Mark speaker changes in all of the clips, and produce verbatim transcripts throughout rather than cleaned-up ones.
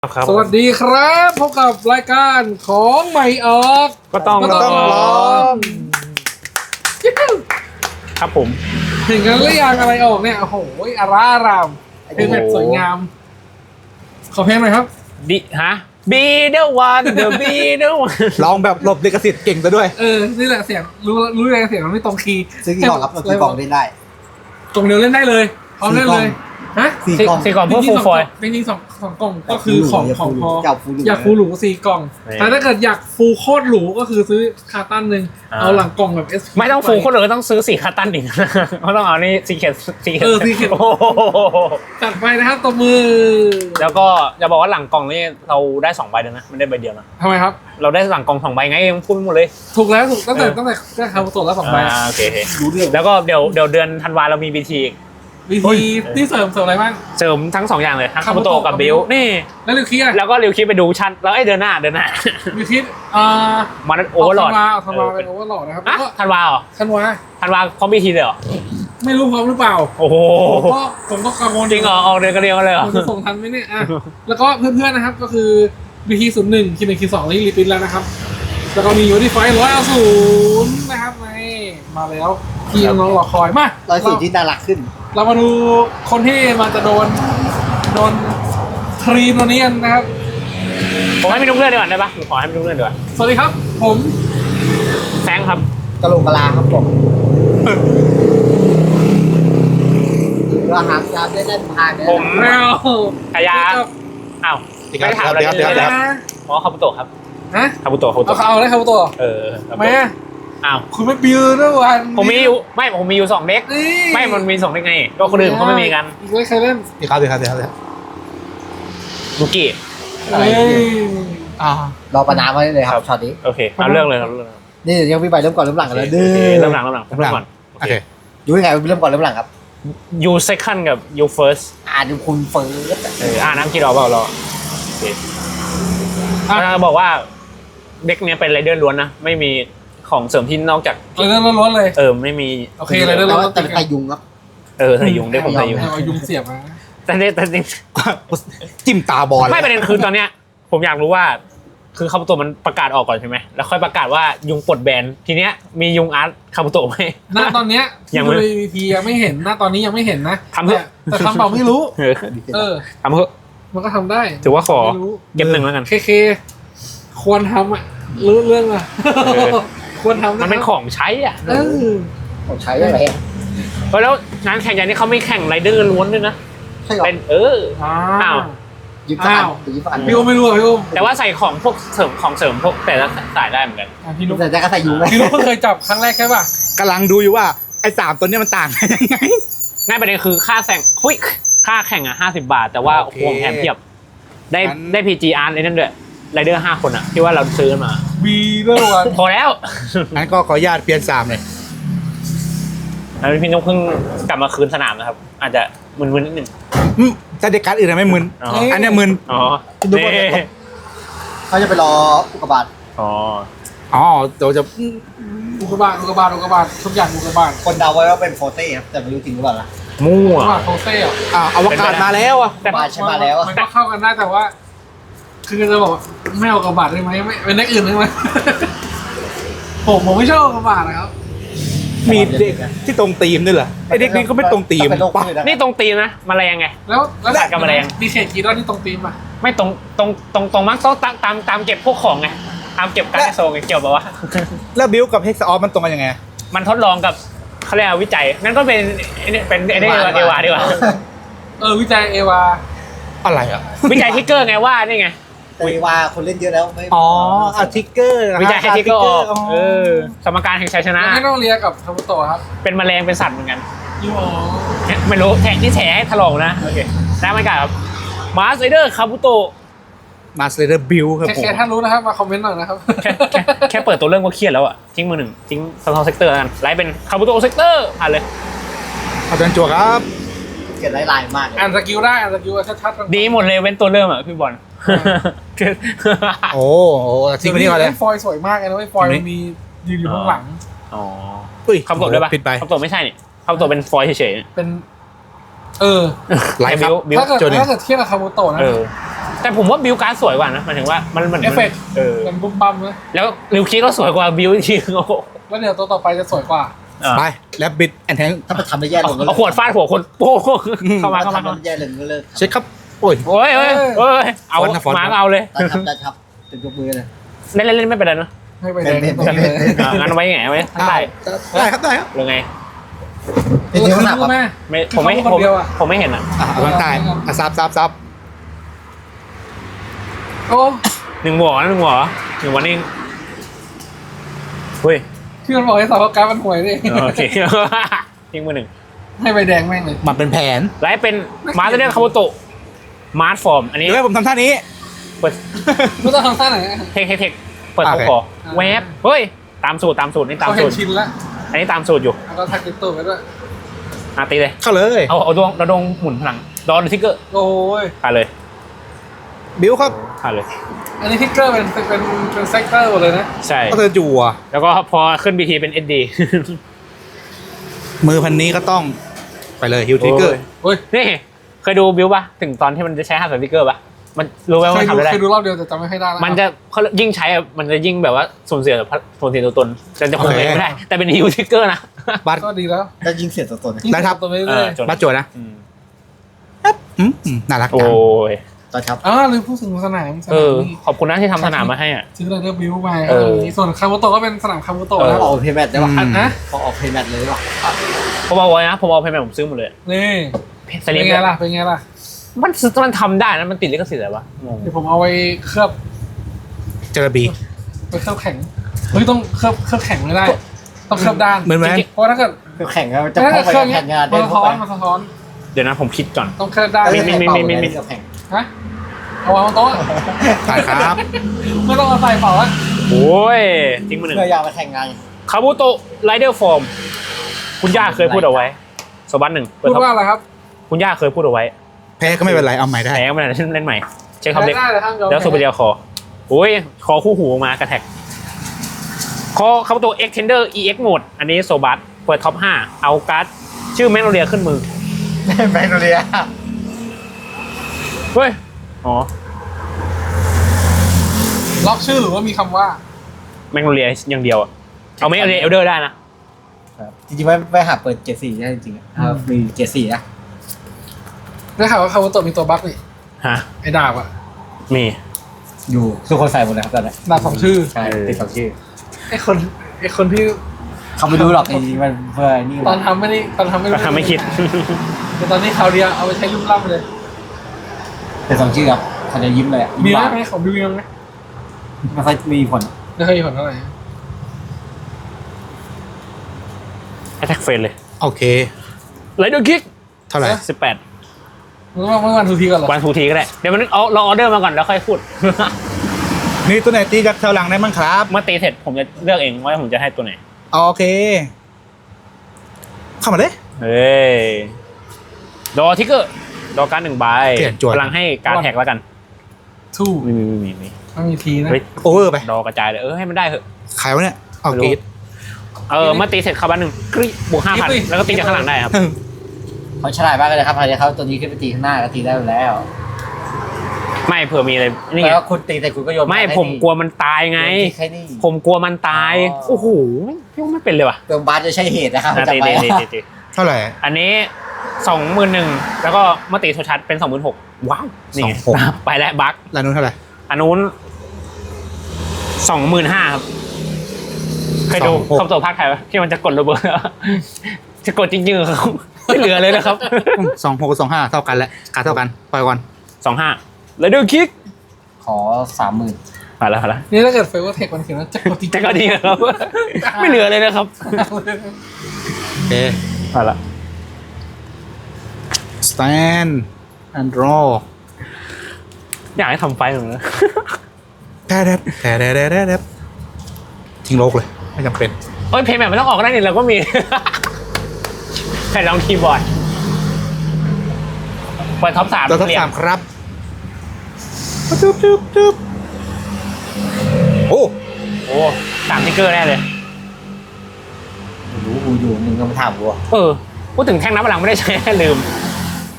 Speaker 1: ครับ
Speaker 2: สวัสดีครับพบกับรายการของใหม่ออก
Speaker 1: ก็ต้อง
Speaker 2: ก็ต้องลอง
Speaker 1: ครับผม
Speaker 2: เห็นกันหรือยังอะไรออกเนี่ยโอ้โหอาร่าอารามเพลงแบบสวยงาม ขอเพลงหน่อยครับ
Speaker 1: ดิฮะ be the one the be the one
Speaker 3: ลองแบบหลบลิขสิทธิ์เก่งซะด้วย
Speaker 2: เออนี่แหละเสียงรู้รู้เลยเสียงมันไม่ตรงคีย์
Speaker 4: ซื้อกี่กล่องครับเรากี่กล่องเล่นได้
Speaker 2: กล่องเดียวเล่นได้เลยพร้อมเล่นเลยฮะ
Speaker 4: สี่กล่อง
Speaker 1: สี่กล่องเพื่อ
Speaker 2: จริ
Speaker 1: ฟู
Speaker 2: ง
Speaker 1: ล
Speaker 2: ๆส
Speaker 1: ฟ
Speaker 2: อง
Speaker 1: อย
Speaker 2: จริงๆสองสองกล่องก็คือของของพอ
Speaker 4: อยากฟูหรู
Speaker 2: อยากฟูหรูสี่กล่อง
Speaker 1: นี่
Speaker 2: แต่ถ้าเกิดอยากฟูโคตรหรูก็คือซื้อคาร์ตันหนึ่ง
Speaker 1: อ่า
Speaker 2: เอาหลังกล่องแบบเอส
Speaker 1: ไม่ต้องฟูลคนเลยต้องซื้อสี่คาตันอีก เขาต้องเอานี่ซีเคทซีเคท
Speaker 2: เออ Secret
Speaker 1: โอ้โห
Speaker 2: จัดไปนะครับตบมือ
Speaker 1: แล้วก็จะบอกว่าหลังกล่องนี่เราได้สองใบเลยนะไม่ได้ใบเดียวนะ
Speaker 2: ทำไมครับ
Speaker 1: เราได้หลังกล่องสองใบไงยังพูดไม่หมดเลย
Speaker 2: ถูกแล้วถูกตั้งแต่
Speaker 1: เออ
Speaker 2: ตั้งแต่ได้คาบุโตะแล้วสองใบ
Speaker 1: อ่าโอเคโอเค
Speaker 2: รู้เรื่อง
Speaker 1: แล้วก็เดี๋ยวเดี๋ยวเดือนธันวาเรามีบีที
Speaker 2: วิธีที่เสริมเสริมอะไรบ้าง
Speaker 1: เสริมทั้งสองอย่างเลยทั้งคาบุโตะ
Speaker 2: Kabuto
Speaker 1: กับ
Speaker 2: กับ
Speaker 1: บิล
Speaker 2: Bill
Speaker 1: นี่
Speaker 2: แล้วลิวคีอะ
Speaker 1: แล้วก็ริวคิดไปดูชั้นแล้วไอ้เดือนหน้าเดือนหน้า
Speaker 2: ลิวคีอ่า
Speaker 1: มันโอเวอร์โหลด
Speaker 2: ธันวาธันวาเป็นโอเวอร์โหลดนะครับ
Speaker 1: อ่ะ
Speaker 2: แล้วก็
Speaker 1: ธันวาเหรอ
Speaker 2: ธันวา
Speaker 1: ธันวาพร้อมบีทีเลยเหรอ
Speaker 2: ไม่รู้พร้อมหรือเปล่า
Speaker 1: โอ้โห
Speaker 2: ผมก็ผมก็กังวล
Speaker 1: จริงเหรอออกเดือนกันเดียวกันเลยเหรอ
Speaker 2: ผมจะส่งทันไหมเนี่ยอ่ะแล้วก็เพื่อนๆนะครับก็คือวิธีศูนย์หนึ่งคิดหนึ่งคิดสองนี่รีพิทแล้วนะครับแล้วก็มียูนิไฟร้อยเอาศูนย์นะครับนี่มาแล้วที่น้องๆรอคอยมา
Speaker 4: ร้อยสี่ที่น่ารักขึ้น
Speaker 2: เรามาดูคนที่มันจะโดนโดนทรีมตัวนี้กันนะครับ
Speaker 1: ผมให้พี่นุ๊กเลื่อนดีกว่าได้ปะผมขอให้พี่นุ๊กเลื่อนดีกว่า
Speaker 2: สวัสดีครับ ผม
Speaker 1: แซงครับ
Speaker 4: กะโหลกกะลาครับผมก็หางยาวได้เล่นพายได้
Speaker 1: ผม
Speaker 2: แมว
Speaker 1: ขยาอ้าวไม่ได้ถามอะไร
Speaker 3: เดี๋ยวเดี๋ยว
Speaker 1: เล
Speaker 3: เดี๋ยว
Speaker 1: ยอ๋อคาบุโตะครับ
Speaker 2: ฮะ
Speaker 1: คาบุโตะคาบุ
Speaker 2: เอา
Speaker 1: โตะ
Speaker 2: เอาเลยครับตัว
Speaker 1: เออคา
Speaker 2: ทำ
Speaker 1: บุ
Speaker 2: ไม
Speaker 1: โตะ
Speaker 2: อ่ะ
Speaker 1: อ้าว
Speaker 2: คุณไม่บิวด้วยวัน
Speaker 1: ผมมีอยู่ไม่ผมมีอยู่สองเด็ก
Speaker 2: นี่
Speaker 1: ไม่มันมีสองเด็กไงก็คนอื่นเขาไม่มีกัน
Speaker 2: อีกเลยใครเล่น
Speaker 3: ดีครับดีครับดีครับดีครับ
Speaker 1: ลูกี้
Speaker 2: เฮ้ย
Speaker 3: อ่าร
Speaker 4: อประนามไว้เลยครับช็อตนี้
Speaker 1: โอเคเอาเรื่องเลยเอาเรื่องเลย
Speaker 4: นี่ยังพี่ใบเริ่มก่อนเริ่มหลังกันแล้วดื้
Speaker 1: โอ
Speaker 4: อ
Speaker 1: เคเริ่มหลังเริ่มหลังเริ่มก่อน
Speaker 3: โอเค
Speaker 4: ดูยังไงเริ่มก่อนเริ่มหลังครับ
Speaker 1: ยูเซคันกับยูเฟิร์ส
Speaker 4: อ่านดูคุณเฟิร์ส
Speaker 1: เอออ่าน้ำกี่รอบเปล่ารอโอเคอ่าบอกว่าเด็กเนี้ยเป็นไรเดอร์ล้วนนะไม่มีของเสริมที่นอกจาก
Speaker 2: เลยเล่นล้วนๆเลย
Speaker 1: เออไม่มี
Speaker 2: โอเคเลยเล่น
Speaker 4: แล้ว
Speaker 2: ล้วน
Speaker 4: แต่เป็นไตยุงครับ
Speaker 1: เออใส่ยุงได้ผมใส่ยุง
Speaker 2: เอายุงเสียบมา
Speaker 1: แต่เนี่ยแต่จริง
Speaker 3: จิ้มตาบอล
Speaker 1: ไม่ประเด็นคือตอนเนี้ยผมอยากรู้ว่า คือคาบุโตะมันประกาศออกก่อนใช่ไหมแล้วค่อยประกาศว่ายุงปลดแบนทีเนี้ยมียุงอาร์ตคาบุโตะไหม
Speaker 2: หน้าตอนเนี้ย
Speaker 1: ยั
Speaker 2: ที่
Speaker 1: งไม่
Speaker 2: ดูในวีพียังไม่เห็นหน้าตอนนี้ยังไม่เห็นนะ
Speaker 1: ทำเถอะ
Speaker 2: แต่แต่ทำเปล่าไม่รู้
Speaker 1: เออ
Speaker 2: เออ
Speaker 1: ทำเถอะ
Speaker 2: มันก็ทำได้
Speaker 1: ถือว่าขอ
Speaker 2: ไม่รู้
Speaker 1: เก็บหนึ่งแล้วกัน
Speaker 2: เคเคควรทำอ่ะรู้เรื่องอ่ะ
Speaker 1: เออ
Speaker 2: ควรทำ
Speaker 1: มันเป็นของใช้อ่ะ
Speaker 2: เออ
Speaker 4: ผมใช้อะไร
Speaker 1: เออแล้วงานแข่งอย่างนี้เขาไม่แข่งไรเดอร์ล้วนด้วยนะ
Speaker 4: ใช่หรอ
Speaker 1: เป็นเออ
Speaker 2: อ้า
Speaker 1: อ้าว
Speaker 2: ว
Speaker 4: ยิบสักอัน
Speaker 2: อ้าว
Speaker 4: ยิบสักอัน
Speaker 2: พี่อุ้มไม่รู้อ่ะพี่อุ้ม
Speaker 1: แต่ว่าใส่ของพวกเสริมของเสริมพวกแต่ละสายได้เหมือนกัน
Speaker 2: อ่ะพี่นุ๊ก
Speaker 4: แต่ก็ใส่ยุงเลย
Speaker 2: พี่นุ๊กเพิ่งเคยจับครั้งแรกใช่ป่ะ
Speaker 3: กำลังดูอยู่ว่าไอ้สามตัวเนี้ยมันต่างกันยังไง
Speaker 1: ง่ายประเด็นคือค่าแข่งหุ้ยค่าแข่งอ่ะห้าสิบบาท แต่ว่า
Speaker 3: โอเค
Speaker 1: ควงแถมเทียบ ได้
Speaker 3: งั้น
Speaker 1: ได้พีจีอาร์ไอ้นั่นด้วยไรเดอร์ห้าคนอ่ะที่ว่าเราซื้อมา
Speaker 2: วีเรื่องวัน
Speaker 1: พอแล้ว
Speaker 3: งั้นก็ขออนุญาตเปลี่ยนสามเลย
Speaker 1: แล้วพี่นุ๊กเพิ่งกลับมาคืนสนามนะครับ อาจจะมึนๆนิดนึง
Speaker 3: อืมแต่เด็กการดอื่นอะไม่มึน
Speaker 1: อ๋อ
Speaker 3: อันเนี้ยมึน
Speaker 1: อ๋อ
Speaker 4: ดูว่าเขาจะไปรออุกกาบาต
Speaker 1: อ๋อ
Speaker 3: อ๋อเดี๋ยวจะ
Speaker 2: อุกกาบาตอุกกาบาตอุกกาบาตทุกอย่างอุกกาบาต
Speaker 4: คนเดาไว้ว่าเป็นโฟเต้ครับแต่ไม่รู้จริงหรือเปล่าล่ะ
Speaker 1: มั่
Speaker 2: อุ
Speaker 1: ว
Speaker 2: กกาบาตโคเซ่อะ
Speaker 3: อ่าอวกาศมาแล้วอ่ะ
Speaker 1: แต่
Speaker 4: มาใช่มาแล้วอะ
Speaker 2: มันก็เข้ากันได้แต่ว่า คือจะบอกว่าไม่เอาอุกกาบาตได้ไหมไม่เป็นนักอื่นได้ไหม ผมผมไม่ชอบอุกกาบาตนะครับ
Speaker 3: มีเด็กที่ตรงตีมด้วยเหรอไอ้เด็กนี้ก็ไม่ตรงตีม
Speaker 4: เป็นโรค
Speaker 3: ปะ
Speaker 4: พืชอะ
Speaker 1: นี่ตรงตีนนะแมลงไง
Speaker 2: แล้วแล้ว
Speaker 1: กัดกับแมลง
Speaker 2: มีเขตกีดอนที่ตรงตีมอ่ะ
Speaker 1: ไม่ตรงตรงตรงตรงมั้งต้องตามตามตามเก็บพวกของไงตามเก็บการ์ดโซงไงเกี่ยวแบบว่า
Speaker 3: แล้วบิวกับเฮกซ์ออฟมันตรงกันยังไง
Speaker 1: มันทดลองกับเขาเรียกว่าวิจัยงั้นก็เป็นไอ้นี่เป็นไอ้นี่เอวาดีกว่า
Speaker 2: เออวิจัยเอวา
Speaker 3: อะไรอ่ะ
Speaker 1: วิจัยทิกเกอร์ไงว่านี่ไง
Speaker 4: แต่ว่าคนเล่นเยอะแล้วไม่
Speaker 3: อ๋ออาทิกเกอร์นะ
Speaker 1: วิจัยให้ทิกเกอร์ออก
Speaker 3: อ๋อ
Speaker 1: เออสมการแห่งชัยชนะ
Speaker 2: ไม่ต้องเรียนกับคาบุโตะครับ
Speaker 1: เป็นแมลงเป็นสัตว์เหมือนกัน
Speaker 2: ยูอ๋อ
Speaker 1: ไม่รู้แทงที่แฉให้ถลอกนะโอเคได้ไหมครับมาสไซเดอร์คาบุโตะ
Speaker 3: มาสเตอร์บิวครับ
Speaker 2: แค่
Speaker 3: ผม
Speaker 2: แค่ท่านรู้นะครับมาคอมเมนต์หน่อยนะครับ
Speaker 1: แค่แค่แค่เปิดตัวเรื่องก็เครียดแล้วอ่ะทิ้งมือหนึ่งทิ้งสตอร์เซกเตอร์กันไลฟ์เป็นคาบุโตะเซกเตอร์ผ่านเลย
Speaker 3: เอาจารย์จัวครับ
Speaker 4: เขียนลายๆมากเลย
Speaker 2: อ่านสกิลได้อ่านสกิลชัดๆกัน
Speaker 1: ดีหมดเลยเว้นตัวเริ่มอ่ะพี่บอล
Speaker 3: โอ้โหทิ้งไปนี่ก่อนเลย
Speaker 2: ฟอยล์สวยมากเลยนะเว้ยฟอยล์มันมียืนอยู่ข้างหลัง
Speaker 1: อ๋อ
Speaker 3: อุ้ย
Speaker 1: คำตอบด้วยปะ
Speaker 3: ผิดไป
Speaker 1: คำตอบไม่ใช่นี่คำตอบเป็นฟอยล์เฉย
Speaker 2: เป็นเออ
Speaker 3: ไลฟ์ครับ
Speaker 1: บิว
Speaker 2: ถ้าเกิด
Speaker 3: โจเน
Speaker 2: ถ้าเกิดเทียบกับคาโมโตะนะ
Speaker 1: เออ แต่ผมว่าบิวการ์ดสวยกว่านะหมายถึงว่ามันเหมือน
Speaker 2: เอฟเฟกต์
Speaker 1: เออ
Speaker 2: มันบุ้มบั้มนะ
Speaker 1: แล้วริวคีก็สวยกว่าบิวจริงๆโอ้โห
Speaker 2: แล้วเดี๋ยวตัวต่อไปจะสวยกว่า
Speaker 3: ไปแล้วบิดแอนแทง
Speaker 4: ถ้ามันทำได้แย่ลงก็
Speaker 1: เอาขวดฟาดหัวคนโป้งเข้ามาเข้ามา
Speaker 4: ทำได้แย่ลงก็เลิก
Speaker 3: เช็คครับโอ้ย
Speaker 1: โอ้ยเอ้ยเอ้ยเอา
Speaker 3: ฟอนต์นะฟอนต์
Speaker 1: มาก็เอาเลย
Speaker 4: ได้ครับได้ครับเป็นยกมือเลย
Speaker 1: เล่นเล่นเล่นไม่เป็นไรเนอะ
Speaker 2: ให้ไปแดง
Speaker 4: เป็น
Speaker 2: ตรงนี้เลย
Speaker 1: อ่ะงั้นไว้ไงไว้ข้างใต้
Speaker 3: ได้ครับได้ครับ
Speaker 1: หรือไง
Speaker 4: เป็นเทปหนักครับ
Speaker 2: แม่
Speaker 1: ไม่ผมไม่
Speaker 2: เขา
Speaker 1: ผม
Speaker 2: คนเดียวอะ
Speaker 1: ผมไม่เห็นอ่ะ
Speaker 3: อ่ะเอาข้างใต้อ่ะซับซับซับ
Speaker 2: โอ้
Speaker 1: หนึ่งหมวกนะหนึ่งหมวกเหรอหนึ่งวันนี้เฮ้ย
Speaker 2: ที่มันบอกให้สาวการดมันห่วยดิ
Speaker 1: โอเค ทิ้งมือหนึ่ง
Speaker 2: ให้ใบแดงแม่งเลย
Speaker 3: มันเป็นแผน
Speaker 1: ไลฟ์เป็นมาสเตอร์คาโมโตะมาร์ทฟอร์มอันนี้
Speaker 3: เดี๋ยวให้ผมทำท่านี้
Speaker 1: เปิด
Speaker 2: ไม่ต้องทำท่าไหนอะ
Speaker 1: เทคเทคเทคเปิด
Speaker 3: โอ
Speaker 1: เขา
Speaker 3: เค
Speaker 1: ขอแวบเฮ้ยตามสูตรตามสูตรนี่ตาม
Speaker 2: เขาเห็
Speaker 1: สู
Speaker 2: น
Speaker 1: ตร
Speaker 2: ชินแล้ว
Speaker 1: อันนี้ตามสูตรอยู่
Speaker 2: แล้วก็ทักติดตัวไปด้วย
Speaker 1: อาตีเลย
Speaker 3: เข้าเลย
Speaker 1: เอาเอาดวงเราดวงหมุนพลังดอนทิกเกอร์
Speaker 2: โอ้ย
Speaker 1: ผ่านเลย
Speaker 3: บิวครับ
Speaker 1: ผ่านเลย
Speaker 2: อันนี้ทิกเกอร์เป็นเป็นเป็นเป็นเซกเตอร์หมดเลยนะ
Speaker 1: ใช่
Speaker 3: ก็เธอจั่ว
Speaker 1: แล้วก็พอขึ้นบีทีเป็นเอ็ดดี
Speaker 3: มือพันนี้ก็ต้องไปเลยฮิวทริกเกอร์
Speaker 2: โอ้ย
Speaker 1: นี่เคยดูบิวป่ะถึงตอนที่มันจะใช้ห้าสติ๊กเกอร์ป่ะมันรู้ไหม
Speaker 2: เค
Speaker 1: ว่าย มัน
Speaker 2: ดู
Speaker 1: ทำอะไรได้
Speaker 2: เคยดูรอบเดียวแต่จำไม่ค่อยได้แล้ว
Speaker 1: มันจะเขายิ่งใช้อะมันจะยิ่งแบบว่าสูญเสียสูญเสียตัวตนจะจะคงเองไม่ได้ แต่เป็นฮิวทิกเกอร์นะ
Speaker 3: บัตร
Speaker 2: ก็ดีแล้ว
Speaker 4: ได้ยิงเสียตัวตน
Speaker 3: ได้ครับ
Speaker 2: ตัวไป
Speaker 1: เอ
Speaker 2: เรื่
Speaker 1: อ
Speaker 2: อย
Speaker 1: จน
Speaker 3: บัตรจั่วนะ
Speaker 1: อืม
Speaker 3: อืมอืมน่ารัก
Speaker 1: โอ้
Speaker 3: จัง
Speaker 1: ย
Speaker 4: ตอนครับ
Speaker 2: ๆอ่าลืมพูดถึงสนามส
Speaker 1: เอ
Speaker 2: นา
Speaker 1: อ
Speaker 2: มนี่
Speaker 1: ขอบคุณนะที่ทำสนามมาให้อ่ะ
Speaker 2: ซื้อไรเดอร์บิวไป
Speaker 1: เออ
Speaker 2: ส่วนคาโมโตะก็เป็นสนามคาโมโตะ
Speaker 1: เออ
Speaker 2: นะ
Speaker 4: ขอออกเพย์แมทได้ป่ะ
Speaker 2: อันนะ
Speaker 4: ขอออกเพย์แมทเลยได้ป่ะ
Speaker 1: ผมเอาไว้นะผมเอาเพย์แมนผมซื้อหมดเลย
Speaker 2: นี่
Speaker 1: ส
Speaker 2: เป็น
Speaker 1: ลิป
Speaker 2: ไงล่ะเป็นไงล่ะ
Speaker 1: มันมันทำได้นะมันติดลิขสิทธิ์อะไรวะงง
Speaker 2: เดี๋ยวผมเอาไว้เคลือบ
Speaker 3: เจอบี
Speaker 2: ไปเคลือบแข็งเฮ้ยต้องเคลือบเคลือบแข็งไม่ได้ ต้องเคลือบด้าน
Speaker 3: เหมือนไหม
Speaker 2: เพราะถ้าเกิด
Speaker 4: คือแข่งกันจะ
Speaker 2: ถ้า
Speaker 4: เข้า
Speaker 2: เกิด
Speaker 4: ไป
Speaker 2: เคลือบ
Speaker 4: แข่งงาน
Speaker 2: มั
Speaker 4: ได้
Speaker 2: นสะ
Speaker 4: เข้า
Speaker 2: ท้อ
Speaker 4: ไป
Speaker 2: นมันสะท้อน
Speaker 1: เดี๋ยวนะผมคิดก่อน
Speaker 2: ต้องเคลือบด้าน
Speaker 1: มีมีมีมีมี
Speaker 4: กับแข่ง
Speaker 2: ฮะเอาวางบนโต๊ะ
Speaker 3: ผ่านครับ
Speaker 2: ไม่ต้องเอาใส่เปล่าละ
Speaker 1: โอ้ยทิ้งมือหนึ่ง
Speaker 4: เพื่ออยากไปแข่งงาน
Speaker 1: คาบุโตะไรเดอร์ฟอร์มคุณย่าเคยพูดเอาไว้สบันหนึ่งเปิ
Speaker 2: พู
Speaker 1: ด
Speaker 2: ด
Speaker 1: ท็อป
Speaker 2: ว่าอะไรครับ
Speaker 1: คุณย่าเคยพูดเอาไว้
Speaker 3: แพ้ก็ไม่เป็นไรเอาใหม่ได้
Speaker 1: แพ้ไม่ได้เล่นใหม่เช็คคำเล็ก
Speaker 2: ได้เลยครับ
Speaker 1: แล้วโซเปเรียคอโอ้ยคอคู่หูออกมากระแทกคอคาบุโตะเอ็กเทนเดอร์ อี เอ็กซ์ โหมดอันนี้โซบัสเปิดท็อปห้าเอาการ์ดชื่อแมกโนเลียขึ้นมือ
Speaker 4: แมกโนเลีย
Speaker 1: เฮ้ยอ๋อ
Speaker 2: ล็อกชื่อหรือว่ามีคำว่า
Speaker 1: แมกโนเลียอย่างเดียวอะเอาแมกโนเลียเอลเดอร์ได้นะ
Speaker 4: จริงๆไม่ไม่หาเปิดเจ็ดสี่ได้จริงๆอ่ะมีเจ็ดสี่นะ
Speaker 2: ได้ข่าวว่าคาโมโตะมีตัวบั๊กนี่
Speaker 1: ฮะ
Speaker 2: ไอ้ดาบอะ
Speaker 1: มี
Speaker 4: อยู่ทุกคนใส่หมดเลยครับตอนนี้
Speaker 2: ดาบสองชื่อ
Speaker 4: ใช่ติดสองชื่อ
Speaker 2: ไอ้คนไอ้คนที่
Speaker 4: เขาไม่รู้หรอกจริงๆมันเพื่อนี่
Speaker 2: ตอนทำไม่ได้ตอนทำไม่
Speaker 1: ก็ทำไม่คิด
Speaker 2: แต่ตอนนี้คราวเดียวเอาไปใช้รุ่มล่ำเลย
Speaker 4: เป็นสองชื่อครับเขาจะยิ้มเลยอ่ะ
Speaker 2: มี
Speaker 4: ยิ้
Speaker 2: ไหม
Speaker 4: หวาน
Speaker 2: ไหมของบิวยังไหม
Speaker 4: ไม่ค่อยมีผล
Speaker 2: ไม่เคยมีผลเท่าไหร่
Speaker 1: แอทแทกเฟนเลย
Speaker 3: โอเค
Speaker 1: ไรเดอร์คิก
Speaker 3: เท่าไหร่
Speaker 1: สิบแปด
Speaker 2: มึงว่าเมื่อวันทูทีก่อนเหรอ
Speaker 1: วันทูทีก็ได้ เดี๋ยวมันเอาเราออเดอร์มาก่อนแล้วค่อยพูด
Speaker 3: นี่ตัวไหนตีจากแถวหลังได้มั้งครับ
Speaker 1: เมื่อตีเสร็จผมจะเลือกเองว่าผมจะให้ตัวไหน
Speaker 3: โอเค เข้ามาเลย
Speaker 1: เฮ้ย ดอทิกเกอร์ ดอการดหนึ่งใบ
Speaker 3: เปลี่ยนจวน
Speaker 1: พลังให้การดแท็กแล้วกัน
Speaker 2: ทู
Speaker 1: มีมีมีมี
Speaker 2: ไม่มีทีนะ
Speaker 1: เฮ้ย
Speaker 3: โอเวอร์ไป
Speaker 1: ดอกระจายเลย เออให้มันได้เถอะ
Speaker 3: ขายวะเนี่ยเอากรีด
Speaker 1: เออเมื่อตีเสร็จคาร์บันหนึ่งกรี๊ดบวกห้าพันแล้วก็ตีจากข้างหลังได้ครับ
Speaker 4: เขาฉลาดมากเลยครับพอดีเขาตัวนี้ขึ้นไปตีข้างหน้าก็ตีได้อยู่แล้ว
Speaker 1: ไม่เผื่อมีอะไร นี่ไง
Speaker 4: แล้วคุณตีแต่คุณก็โยน
Speaker 1: ไม่ผมกลัวมันตายไง
Speaker 4: แค่นี้
Speaker 1: ผมกลัวมันตาย
Speaker 4: อ๋อ
Speaker 1: โอ้โหพี่ว่าไม่เป็นเลยว่ะ
Speaker 4: เติมบาสจะใช่เหตุนะครับ
Speaker 1: นะตี
Speaker 4: จำไว้
Speaker 1: ตีตีตีตี
Speaker 3: เท่าไหร่
Speaker 1: อันนี้สองหมื่นหนึ่งแล้วก็เมื่อตีโทชัดเป็นสองหมื่นหกว้าวนี่ไง
Speaker 3: สองหก
Speaker 1: ไปแล้วบัค
Speaker 3: ร้านนู้นเท่าไหร่
Speaker 1: อันนู้นสองหมื่นห้าครับเคยดู
Speaker 3: สองหก
Speaker 1: คำตอบภาคไทยปะที่มันจะกดระเบิด จะกดจริงๆเหรอครับไม่เหลือเลยนะครับ
Speaker 3: สองหกสองห้าเท่ากันแหละขาเท่ากันปล่อยก่อน
Speaker 1: สองห้าแล้วดูคิก
Speaker 4: ขอสามหมื่น
Speaker 1: มาแล้วมาแล้ว
Speaker 2: นี่ถ้าเกิดเฟเวอร์เทคมันเขียนว่าจะกดที
Speaker 1: จะก็ดีนะครับ ไม่เหลือเลยนะครับ
Speaker 3: โอเค
Speaker 1: มาละ
Speaker 3: stand and draw
Speaker 1: อยากให้ทำไฟเหมือนกัน
Speaker 3: แท้แท้แท้แท้แท้แท้แท้ทิ้งโลกเลย ไม่จำเป็น
Speaker 1: โอ้ยเพย์แมทไม่ต้องออกก็ได้นี่เราก็มี แผ่นรองคีย์บอร์ดเปิดท็อปสาม
Speaker 3: ตัวทั้ง
Speaker 1: เรีย
Speaker 3: สาง มครับจุ๊บจุ๊บจุ๊บโอ้
Speaker 1: โอ้สามทิกเกอร์แน่เลย
Speaker 4: รู้กูอยู่มึงก็มาถามกูอะ
Speaker 1: เออพูดถึงแท่งน้ำพลังไม่ได้ใช้ ลืม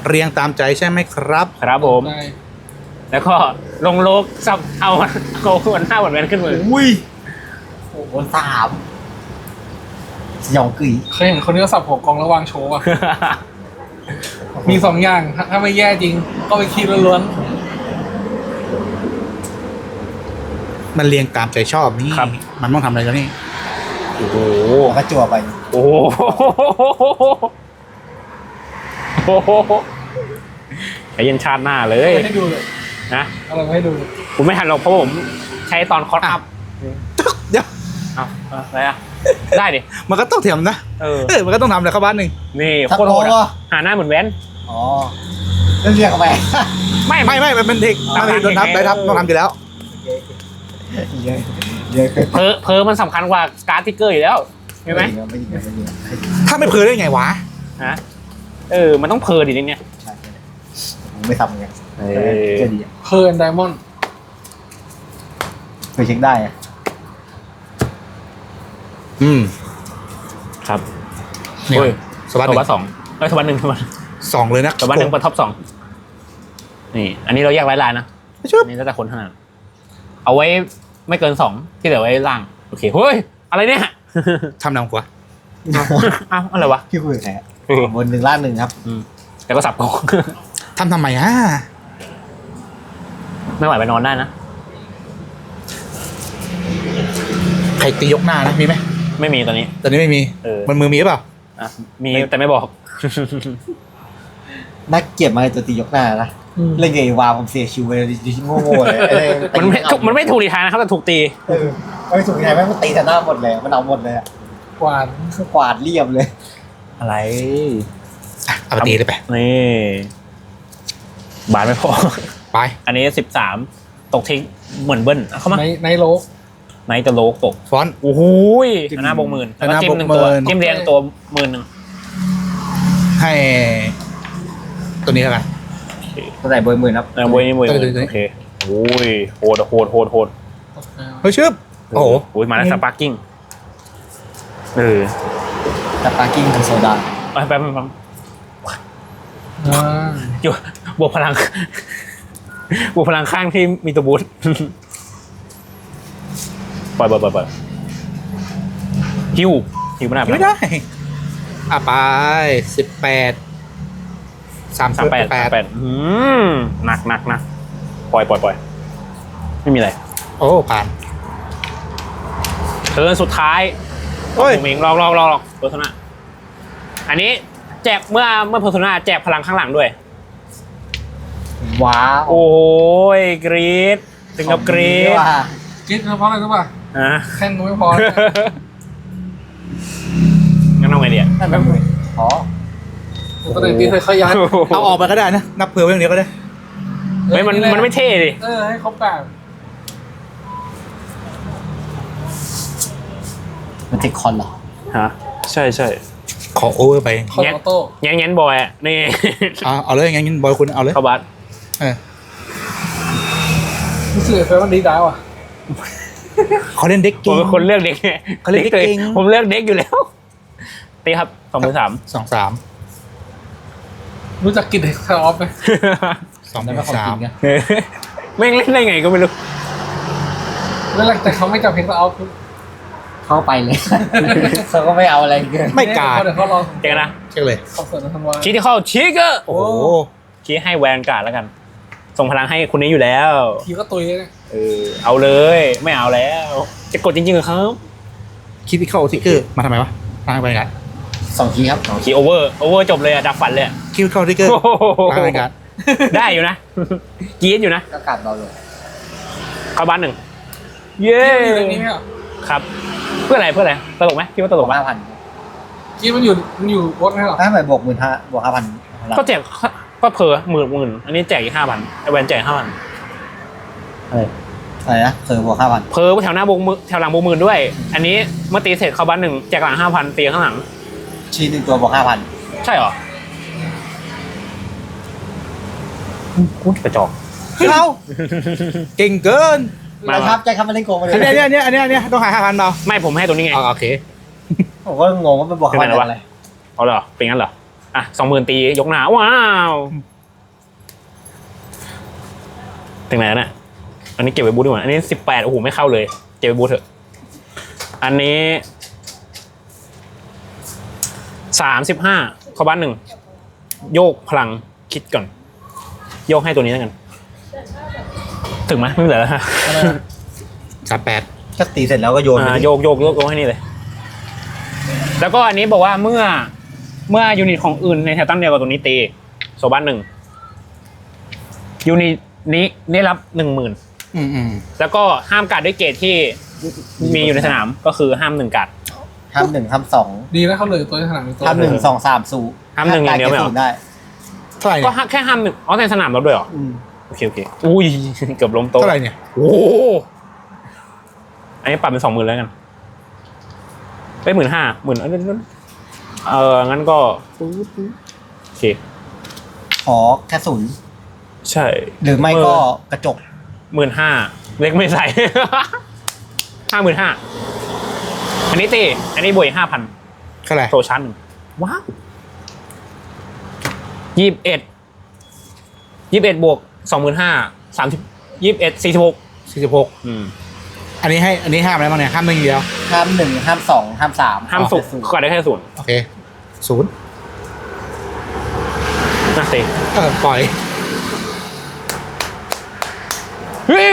Speaker 3: เรียงตามใจใช่ไหมครับ
Speaker 1: ครับผม
Speaker 2: ได้
Speaker 1: แล้วก็ลงโลกสับเอาเอาหัวหน้าหัวแวนขึ้นมือ
Speaker 4: อุ้ยโอ้โหสามสยองกึ๋ย
Speaker 2: เคยเห็นคนที่เขาสับหัวกองแล้ววางโชว์อ่ะ มีสองอย่างถ้าถ้าไม่แย่จริง ก็ไปคิดล้วน
Speaker 3: มันเรียงตามใจชอบนี่
Speaker 1: ครับ
Speaker 3: มันต้องทำอะไรแล้วนี่
Speaker 1: โอ้โห
Speaker 4: แล้วก็จั่วไป
Speaker 1: โอ้โหโอ้โหไอ้ยันชาติหน้าเล
Speaker 2: ๆ
Speaker 1: ย
Speaker 2: ไม่ให้ดูเลย
Speaker 1: นะ
Speaker 2: อะไรไม่ให้ดูเลย
Speaker 1: ผมไม่ทันหรอกเพราะผมใช้ตอนคอร์สอัพ
Speaker 3: เดี๋ยว
Speaker 1: เอาเอาอะไรอ่ะ ได้ดิ
Speaker 3: มันก็ต้องเถียมนะ
Speaker 1: เออ
Speaker 3: เออมันก็ต้องทำอะไรเข้าบ้านหนึ่ง
Speaker 1: นี่
Speaker 4: ทัก
Speaker 1: โคตร
Speaker 4: โล
Speaker 1: โหด
Speaker 4: ก็
Speaker 1: อะหาหน้าเหมือนแว้น
Speaker 4: อ๋อเรื่องเรียกเข้าไป
Speaker 1: ไม่
Speaker 3: ไม่ไม่มันเป็นเทค
Speaker 1: ตาม
Speaker 3: มันโดนทับ
Speaker 1: เทค
Speaker 3: ได้ทับต้องทำอยู่แล้ว
Speaker 4: เยอะเยอะเกิน
Speaker 1: เพอเพอมันสำคัญกว่าการ์ดทิกเกอร์อยู่แล้วใช่ไหม
Speaker 4: ไม่ยิงไม่ยิงไม่ยิง
Speaker 3: ถ้าไม่เพลได้ไงวะ
Speaker 1: ฮะเออ มันต้องเพอดิเนี่ย
Speaker 4: ใช่ใช่ผมไม่ทำไง
Speaker 1: เออ
Speaker 4: เจะดีอะ
Speaker 2: เพลินไดมอนด์
Speaker 4: เคยเช็คได้อะ
Speaker 3: อืม
Speaker 1: ครับ
Speaker 3: เนี่ย
Speaker 1: โอ้ย
Speaker 3: สวัส
Speaker 1: ตัว
Speaker 3: ดี
Speaker 1: วัดสองเอ้ยตัววัดหนึ่งตัววัด
Speaker 3: สองเลยนะ
Speaker 1: ตัววัดหนึ่งเปิดท็อปสองนี่ อันนี้เราแยกไว้ลายนะ
Speaker 3: ไม่ชอบ
Speaker 1: อันนี้แล้วแต่คนถนัดเอาไว้ไม่เกินสองที่เหลือไว้ล่าง โอเค เฮ้ย อะไรเนี่ย
Speaker 3: ทำนำกว่า
Speaker 1: อ้าวอะไรวะ
Speaker 4: พี่คุยกับใครอะบนหนึ่งล่างหนึ่งครับ
Speaker 1: อืมแล้วก็สับกอง
Speaker 3: ทำทำไมอ่ะ
Speaker 1: ไม่ไหวไปนอนได้นะ
Speaker 3: ใครตียกหน้านะมีไหม
Speaker 1: ไม่มีตอนนี้
Speaker 3: ตอนนี้ไม่มี
Speaker 1: เออ
Speaker 3: มันมือมีหรือเปล่า
Speaker 1: อ่ะมีแต่ไม่บอก
Speaker 4: นักเกียรติมาในตัวตียกหน้านะเล่นไงวาผมเสียชิวไปเลยดิโง่ๆเลย
Speaker 1: มันไม่ถูกมันไม่ถูกดีทางนะครับแต่ถูกตี
Speaker 4: เออไม่ถูกยังไงแม่งมันตีแต่หน้าหมดเลยมันเอาหมดเลยอะ
Speaker 2: กวาด
Speaker 4: กวาดเรียบเลย
Speaker 1: อะไร
Speaker 3: อ่ะเอาไปตีเลยไป
Speaker 1: นี่บาทไม่พอ
Speaker 3: ไป
Speaker 1: อันนี้สิบสามตกทิ้งเหมือนเบิ้ลเอาเข้ามา
Speaker 2: ในในโลก
Speaker 1: ไนท์จะโลกตก
Speaker 3: ฟอนต์
Speaker 1: โอ้โหยอันหน้าบงหมื่นแล้วก็
Speaker 3: อันหน้า
Speaker 1: จิ้มหนึ่งตัว
Speaker 3: บวกหมื่น
Speaker 1: จิ้มเรียงตัวหมื่นหนึ่ง
Speaker 3: ให้ ตัวนี้แล้วกัน
Speaker 4: ตัวไหนเบอร์หมื่นครับ
Speaker 1: เออโวยนี่โวย
Speaker 3: ตัวนี้ตัวนี้
Speaker 1: โอเคโอ้ยโหดอะโหดโหดโหด
Speaker 3: เฮ้ยชึบโอ้โห
Speaker 1: โอ้ยมาแล้วสปาร์กิ้งเออ
Speaker 4: แต่ปาร์กิ้งเป็นโซดา
Speaker 1: ไปแป๊บนึง
Speaker 2: อ่า
Speaker 1: อยู่บวกพลัง บวกพลังข้างที่มีตัวบูท ปล่อยปล่อยปล่อยปล่อยฮิวฮิวไม่ได้
Speaker 3: ไม่ได้ อ่ะไปสิบแปดสาม
Speaker 1: สามแปด
Speaker 3: แป
Speaker 1: สาม
Speaker 3: ด
Speaker 1: แปดอืมหนักหนักหนักปล่อยปล่อยปล่อยไม่มีอะไร
Speaker 3: โอ้ผ่าน
Speaker 1: เทิร์นสุดท้าย
Speaker 3: โอ้ย
Speaker 1: ผมเองลองลองลองลองเพอร์โซนาอันนี้แจกเมื่อเมื่อเพอร์โซนาแจกพลังข้างหลังด้วย
Speaker 4: ว้าว
Speaker 1: โอ้ยกรีดถึงกับกรีด
Speaker 4: ว่า
Speaker 2: คิดเฉพาะอะไรรู้ป่ะ
Speaker 1: อ่ะ
Speaker 2: แค่นก็ไม่พอนะ
Speaker 1: งั้นเอาไงดีอ่ะ
Speaker 4: นั่นแบบมืออ๋อ
Speaker 2: ตัวไหนตีเคยขยัน
Speaker 3: เอาออกไปก็ได้นะ นับเผื่อไว้อย่างเดียวก็ได้
Speaker 1: เฮ้ยมันมันไม่เท่ดิ
Speaker 2: เออให้ครบแปด
Speaker 4: มันเทคคอนเหรอ
Speaker 1: ฮะใช่ใช่
Speaker 3: ขอโอเวอร์ไป
Speaker 2: คอนออโต้
Speaker 1: แง้นแง้นบอยอ่ะนี่
Speaker 3: เอาเอาเลยงั้นบอยคุณเอาเลย
Speaker 1: เข้าบัส
Speaker 3: เออ
Speaker 2: รู้สึกเฟรมันดีดาวอ่ะ
Speaker 3: เขาเล่นเด็ก
Speaker 1: ผ
Speaker 3: เก่
Speaker 1: ม
Speaker 3: ง
Speaker 1: เป็นคนเลือกเด็ก
Speaker 3: เขาเลือกเด็กเก่ง
Speaker 1: ผมเลือกเด็กอยู่แล้วตีครับสองมือสาม
Speaker 3: สองสาม
Speaker 2: รู้จักกินเด็กคาร์ออฟไหม
Speaker 3: สอง
Speaker 4: ได้ไหมของ
Speaker 3: สา
Speaker 4: จริ
Speaker 3: ม
Speaker 4: งไง
Speaker 1: แม่งเล่นได้ไงก็ไม่รู้
Speaker 2: เวลาแต่เขาไม่จับเพลงคาร์ออฟ
Speaker 4: เข้าไปเลย เขาก็ไม่เอาอะไรเกิน
Speaker 3: ไม่กาด
Speaker 2: เดี๋ยวเขารอ
Speaker 1: เจอกันนะ
Speaker 3: เช็คเลย
Speaker 2: คอนเสิร์ตในธันวา
Speaker 1: ชี้ที่เข้าชี้ก็
Speaker 3: โอ้โห
Speaker 1: ชี้ให้แวนการ์ดแล้วกัน ส่งพลังให้คนนี้อยู่แล้ว
Speaker 2: ทีก็ตุยเลย
Speaker 1: เออเอาเลย ไม่เอาแล้ว จะกดจริงๆเหรอครับ
Speaker 3: คิดที่เข้าทิกเกอร์มาทำไมวะทางไปกัน
Speaker 4: สองทีครับสองที
Speaker 1: คีโอเวอร์โอเวอร์จบเลยอะดับฝันเลยอะ
Speaker 3: คิดเข้าทิกเกอร์
Speaker 1: โอ้โห
Speaker 3: ทางไปกัน
Speaker 1: ได้อยู่นะ กรีดอยู่นะ
Speaker 4: ก็กัดเราเลย
Speaker 1: เข้าบ้านหนึ่งเย้
Speaker 2: กีมันอยู่ในนี้ไหมอ่ะ
Speaker 1: ครับ เพื่ออะไรเพื่ออะไรตลกไหมคิดว่าตลกไหม
Speaker 4: ห้าพัน
Speaker 2: กีมันอยู่มันอยู่รถไหมหรอ
Speaker 4: ถ้าไปบวกหมื่นห้าบวกห้าพัน
Speaker 1: ก็แจกก็เพอหมื่นหมื่นอันนี้แจกอีกห้าพันไอแวนแจกห้าพันอะไร
Speaker 4: อะไรนะเคยบวกห้าพัน
Speaker 1: เพอแถวหน้าบงมือแถวหลังบงหมื่นด้วย อันนี้เมื่อตีเสร็จเข้าบ้านหนึ่งแจกหลังห้าพันตีข้างหลัง
Speaker 4: ชีหนึ่งตัวบวกห้าพัน
Speaker 1: ใช่เหรอกูกระจอก
Speaker 3: เข้าเก่งเกิน
Speaker 1: มา
Speaker 4: มาครับใจคำมาเล่นโกงมาเล
Speaker 3: อัน
Speaker 4: ย
Speaker 3: เนี้ยอันเนี้ยอันเนี้ยอันเนี้ยต้องหาห้าพันเปล่า
Speaker 1: ไม่ผมให้ตัวนี้ไง
Speaker 3: อ๋อโอเค
Speaker 4: ผมก็งงว่ามันบวกห้าพันอะไร
Speaker 1: เอาเหรอเป็นงั้นเหรออ่ะสองหมื่นตียกหนาว้าวถึงไหนแล้วเนี่ยอันนี้เก็บไว้บูทดีกว่าอันนี้สิบแปดโอ้โหไม่เข้าเลยเก็บไว้บูทเถอะอันนี้สามสิบห้าเข้าบ้านหนึ่งโยกพลังคิดก่อน โยกให้ตัวนี้แล้วกัน ถึงไหมไม่เหลือแล้วฮะ
Speaker 3: สามแปด
Speaker 4: ก็ตีเสร็จแล้วก็โยนไป
Speaker 1: อ่า
Speaker 4: ดิ
Speaker 1: โยกโยกโยกโยกให้นี่เลย แล้วก็อันนี้บอกว่าเมื่อเมื่อยูนิตของอื่นในแถวตั้งเดียวกับตัวนี้ตีโซบ้านหนึ่งยูนิตนี้ได้รับหนึ่งหมื่น
Speaker 3: อืมอืม
Speaker 1: แล้วก็ห้ามการ์ดด้วยเกรดที่มีอยู่ในสนามก็คือห้ามหนึ่งการ์ด
Speaker 4: ห้ามหนึ่งห้ามสอง
Speaker 2: ดีนะเขาเหลยตัวในสนามเป็นตัว
Speaker 4: ห้ามหนึ่งสองสามสู
Speaker 1: ห้ามหนึ่งอย่างเดียวไม่เหรอ
Speaker 4: ศูนย์ได้
Speaker 3: เท่าไหร่
Speaker 1: ก็
Speaker 3: เนี่ย
Speaker 1: แค่ห้ามหนึ่งอ๋อในสนามเราด้วยเหรอ
Speaker 3: อืม
Speaker 1: โอเคโอเคอุ้ย เกือบล้มโต๊ะ
Speaker 3: เท่าไหร่เนี่ย
Speaker 1: โอ้โหอันนี้ปรับเป็นสองหมื่นแล้วกันไปหมื่นห้าหมื่นเอองั้นก็โอเค
Speaker 4: ขอแค่ศูนย์
Speaker 1: ใช่
Speaker 4: หรือไม่ก็กระจก
Speaker 1: หมื่นห้าเล็กไม่ใส่ ห้าหมื่นห้าอันนี้ตีอันนี้บวกห้าพัน
Speaker 3: เท่าไหร่
Speaker 1: โซชั้นหนึ่งว้าวยี่สิบเอ็ดยี่สิบเอ็ดบวกสองหมื่นห้าสามสิบยี่สิบเอ็ดสี่สิบหก
Speaker 3: สี่สิบหก
Speaker 1: อืม
Speaker 3: อันนี้ให้อันนี้ห้ามอะไรบ้างเนี่ยห้ามหนึ่งเดียว
Speaker 4: ห้ามหนึ่งห้ามสองห้ามสาม
Speaker 1: ห้ามสุกก็ได้แค่ศูนย์
Speaker 3: โอเคศูนย์
Speaker 1: นะตี
Speaker 3: เออปล่อย
Speaker 1: เฮ้ย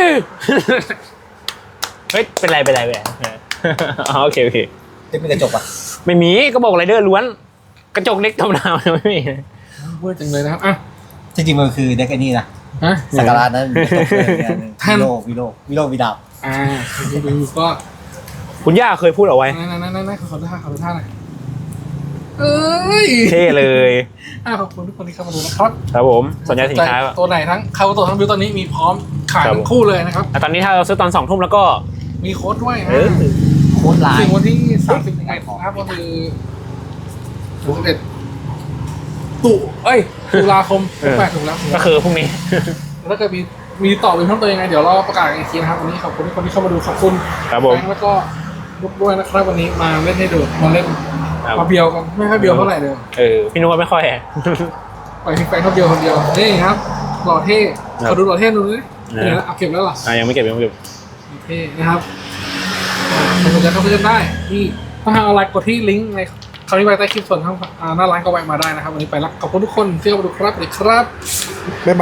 Speaker 1: เฮ้ย เป็นไร เป็นไร เป็นไรอ๋อโอเค โอเค
Speaker 4: ได้มีกระจกป่ะ
Speaker 1: ไม่มี ก็บอกไรเดอร์ล้วน กระจกเล็กธรรมดาไม่มี
Speaker 2: เวอร์จังเลยนะครับอ่ะ
Speaker 4: จริงๆมันคือเด็กไอ้นี่นะ
Speaker 2: ฮะ
Speaker 4: สักการะนั้นกระจกเลยเนี่ย
Speaker 2: ท่าน
Speaker 4: วิโลวิโลวิโลวิดาบ
Speaker 2: อ่าดูดูก็
Speaker 1: คุณย่าเคยพูดเอาไว้
Speaker 2: นั่นนั่นนั่นนั่นขอดูท่าขอดูท่าหน่อยเอ้ย
Speaker 1: เท่เลย
Speaker 2: อ่ะขอบคุณทุกคนที่เข้ามาดูนะครับ
Speaker 1: ครับผม สนใจสินค้า
Speaker 2: ตัวไหนทั้งคาตัวทั้งบิวตอนนี้มีพร้อมขาย
Speaker 1: ครับ
Speaker 2: ทั้งคู่เลยนะครับ
Speaker 1: อ่ะตอนนี้ถ้าเราซื้อตอนสองทุ่มแล้วก็
Speaker 2: มีโค้ดด้วยนะ
Speaker 1: เออ
Speaker 4: โคตรลาย
Speaker 2: ถึงวันที่สามสิบเอ็ดนะครับก็คือสามสิบเอ็ดตุเอ้ยตุลาคม
Speaker 1: เออ
Speaker 2: แปดถูกแล้ว
Speaker 1: ก็คือพรุ่งนี้
Speaker 2: แล้วก็มีมีต่อเป็นเพิ่มเติมยังไงเดี๋ยวเราประกาศอีกทีนะครับวันนี้ขอบคุณทุกคนที่เข้ามาดูขอบคุณ
Speaker 1: ครับผม
Speaker 2: แบงค์แล้วก็ลูกด้วยนะครับวันนี้มาเล่นให้ดูมาเล่น
Speaker 1: ครับ
Speaker 2: มาเบียวกันไม่ค่อยเบียวเท่าไหร่เลย
Speaker 1: เออ พี่นุ้ยไม่ค่อย
Speaker 2: ปล่อยทิ้งไปเขาเบียวคนเดียวนี่ครับหล่อเท่
Speaker 1: ครับ
Speaker 2: ขอดูหล่อเท่ดูดิ
Speaker 1: นะ
Speaker 2: เดี๋ยวนะเอาเก็บแล้วเหรอ
Speaker 1: อ่ะยังไม่เก็บยังไม่เก็บ
Speaker 2: โอเคนะครับใครสนใจเข้าไปเล่นได้ที่ถ้าทางออนไลน์กดที่ลิงก์ในคำนี้ไว้ใต้คลิปส่วนข้างอ่าหน้าร้านก็แวะมาได้นะครับวันนี้ไปละขอบคุณทุกคนที่เข้ามาดูครับสวัสดีครับ
Speaker 3: บ๊ายบาย